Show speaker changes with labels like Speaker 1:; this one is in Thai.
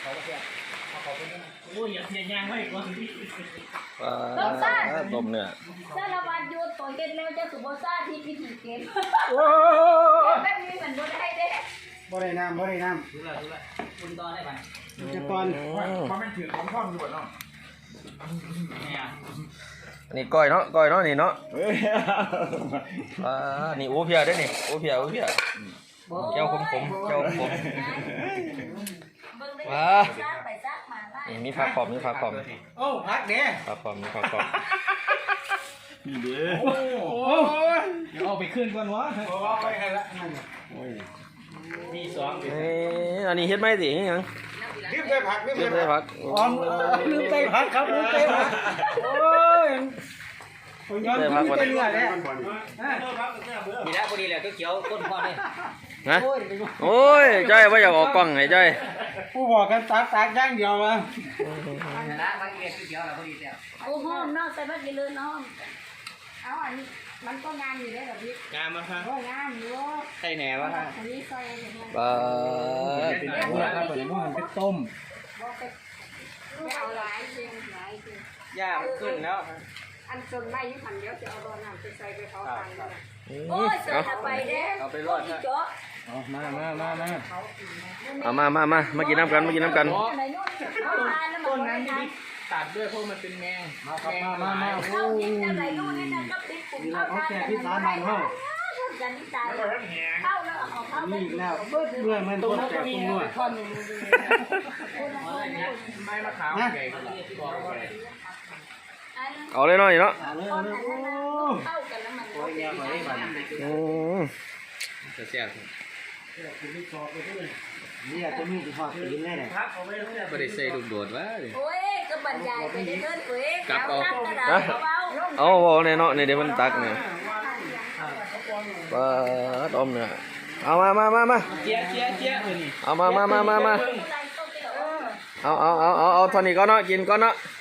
Speaker 1: เขาก็เสียเขาเป็นโอ้ยอย่าเสียยางไว้ก่อน
Speaker 2: ต้มเนื้อ
Speaker 3: สารวัตรยุทธ์ตัวเก็ตแล้วจะสุโบซ่าที่พิธีเก็ตแบบนี้เหมือนบ่ได้เด้
Speaker 4: บ่ได้น้ำ
Speaker 1: ดูละคุณตอนได้ไหม
Speaker 4: จะตอน
Speaker 5: เขาไม่ถือของท่องอยู่บ่เนาะ
Speaker 2: นี่ก้อยเนาะนี่เนาะนี่โอ้เพียได้นี่โอ้เพียเจ้าขมว้านี่มีผักขอบ
Speaker 1: โอ้พักเด้
Speaker 2: ผักขอบนี่เด้อ
Speaker 1: โอ้เดี๋ยวเอาไปขึ้นก่อนวะ
Speaker 5: ไปใครละ
Speaker 1: มีสอง
Speaker 2: อันนี้เฮ็ดไหมสิยัง
Speaker 5: ลืมได้ผัก
Speaker 2: ลืมได้ผัก
Speaker 4: ลืมไตผักครับลืมไตผักโอ้ยย้อนลืมไตเลือดแล้ว
Speaker 1: มีแล้วพอดีเลยก็เขียวก้นพอเลย
Speaker 2: นะโอ้ยจ้อยว่าอยากออกกล้องไงจ้อย
Speaker 4: ผู้บอกกันตากย่างเดียวมา
Speaker 1: ละมาเรียนเขียวแล้วพอดีแล้ว
Speaker 3: โอ้โหน้องใส่บัตรกี่เลยน้องเอาอันนี้มันก็งานอยู่ได้แบบนี้
Speaker 1: งานมาฮะ
Speaker 3: งานอยู่
Speaker 1: ใส่แหนวะฮะ
Speaker 3: อันนี้ซอย
Speaker 4: เป็นพวกครับเป็นพวกเป็นต้ม
Speaker 3: เอาหลายจริง
Speaker 1: ย่าขึ้นแล้ว
Speaker 3: อันจนไม่ยิ่งพันเดียวจะเอาโดนน้ำไปใส่ไปเขาทานเลยโอ้ยเสือไปเด้
Speaker 1: เอาไปรอดนะ
Speaker 4: มา
Speaker 2: มากินน้ำกัน
Speaker 1: ต้นนั้นนี่ตัดด้วยเพราะมันเป็นแมง
Speaker 4: มา
Speaker 3: เข้ากินอะไรนู่นนี่นั่นก็ติดปุ่มเข้า
Speaker 4: แก่ที่ร้านมันเข้า
Speaker 3: กันที่ตายเข้าแล้วออกเข้า
Speaker 4: นี่แล้วเมื่อมันต้นแต่คุณนวด
Speaker 1: ไม่มาขาวใหญ่
Speaker 2: เอาเลยน้อยเนาะ
Speaker 3: เข้ากันแล้วมัน
Speaker 1: จะเสีย
Speaker 4: นี่จะมีทอดตีนแน่เลย
Speaker 1: ไม่ได้ใส่ลูกโดดวะ
Speaker 3: โอ้ยก็บรรยายไปได้เกินเว้ย
Speaker 1: กลับ
Speaker 2: เอาเนี่ยเนาะเนี่ยเดี๋ยวมันตักเนี่ยต้มเนี่ยเอามา
Speaker 1: เจี๊ย
Speaker 2: เอามาเอาเท่านี้ก็เนาะกินก็เนาะ